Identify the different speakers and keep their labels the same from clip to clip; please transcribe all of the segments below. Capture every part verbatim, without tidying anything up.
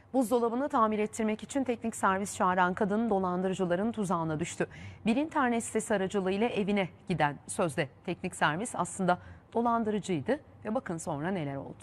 Speaker 1: Buzdolabını tamir ettirmek için teknik servis çağıran kadın dolandırıcıların tuzağına düştü. Bir internet sitesi aracılığıyla evine giden sözde teknik servis aslında dolandırıcıydı ve bakın sonra neler oldu.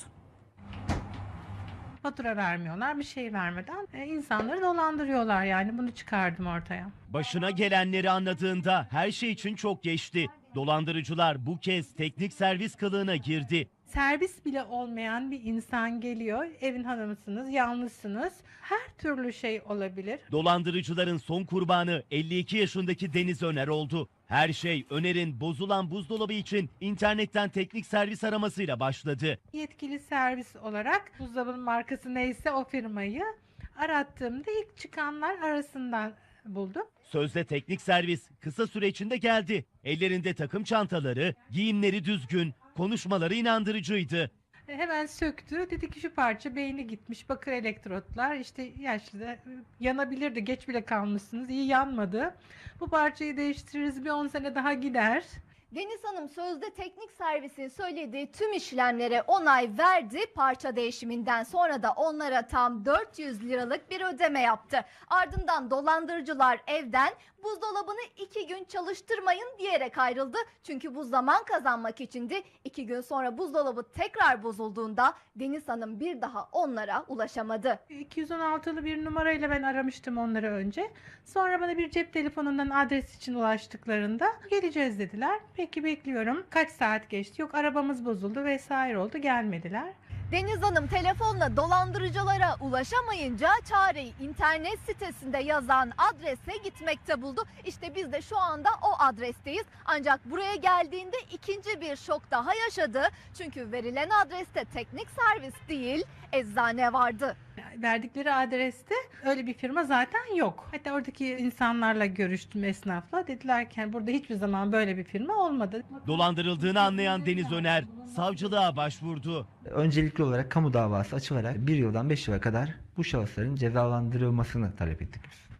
Speaker 2: Fatura vermiyorlar, bir şey vermeden e, insanları dolandırıyorlar, yani bunu çıkardım ortaya.
Speaker 3: Başına gelenleri anladığında her şey için çok geçti. Dolandırıcılar bu kez teknik servis kılığına girdi.
Speaker 2: Servis bile olmayan bir insan geliyor, evin hanımısınız, yalnızsınız, her türlü şey olabilir.
Speaker 3: Dolandırıcıların son kurbanı elli iki yaşındaki Deniz Öner oldu. Her şey Öner'in bozulan buzdolabı için internetten teknik servis aramasıyla başladı.
Speaker 2: Yetkili servis olarak buzdolabının markası neyse o firmayı arattığımda ilk çıkanlar arasından buldum.
Speaker 3: Sözde teknik servis kısa süre içinde geldi. Ellerinde takım çantaları, giyimleri düzgün, konuşmaları inandırıcıydı.
Speaker 2: E, Hemen söktü. Dedi ki şu parça beyni gitmiş. Bakır elektrotlar işte yaşlı da yanabilirdi. Geç bile kalmışsınız. İyi yanmadı. Bu parçayı değiştiririz. Bir on sene daha gider.
Speaker 4: Deniz Hanım sözde teknik servisin söylediği tüm işlemlere onay verdi. Parça değişiminden sonra da onlara tam dört yüz liralık bir ödeme yaptı. Ardından dolandırıcılar evden buzdolabını iki gün çalıştırmayın diyerek ayrıldı. Çünkü bu zaman kazanmak içindi. İki gün sonra buzdolabı tekrar bozulduğunda Deniz Hanım bir daha onlara ulaşamadı.
Speaker 2: iki yüz on altılı bir numarayla ben aramıştım onları önce. Sonra bana bir cep telefonundan adres için ulaştıklarında geleceğiz dediler. Peki bekliyorum. Kaç saat geçti? Yok arabamız bozuldu vesaire oldu, gelmediler.
Speaker 4: Deniz Hanım telefonla dolandırıcılara ulaşamayınca çareyi internet sitesinde yazan adrese gitmekte buldu. İşte biz de şu anda o adresteyiz. Ancak buraya geldiğinde ikinci bir şok daha yaşadı. Çünkü verilen adreste teknik servis değil, eczane vardı.
Speaker 2: Verdikleri adreste öyle bir firma zaten yok. Hatta oradaki insanlarla görüştüm, esnafla. Dediler ki burada hiçbir zaman böyle bir firma olmadı.
Speaker 3: Dolandırıldığını anlayan Deniz Öner savcılığa başvurdu.
Speaker 5: Öncelikli olarak kamu davası açılarak bir yıldan beş yıla kadar bu şahısların cezalandırılmasını talep ettik biz.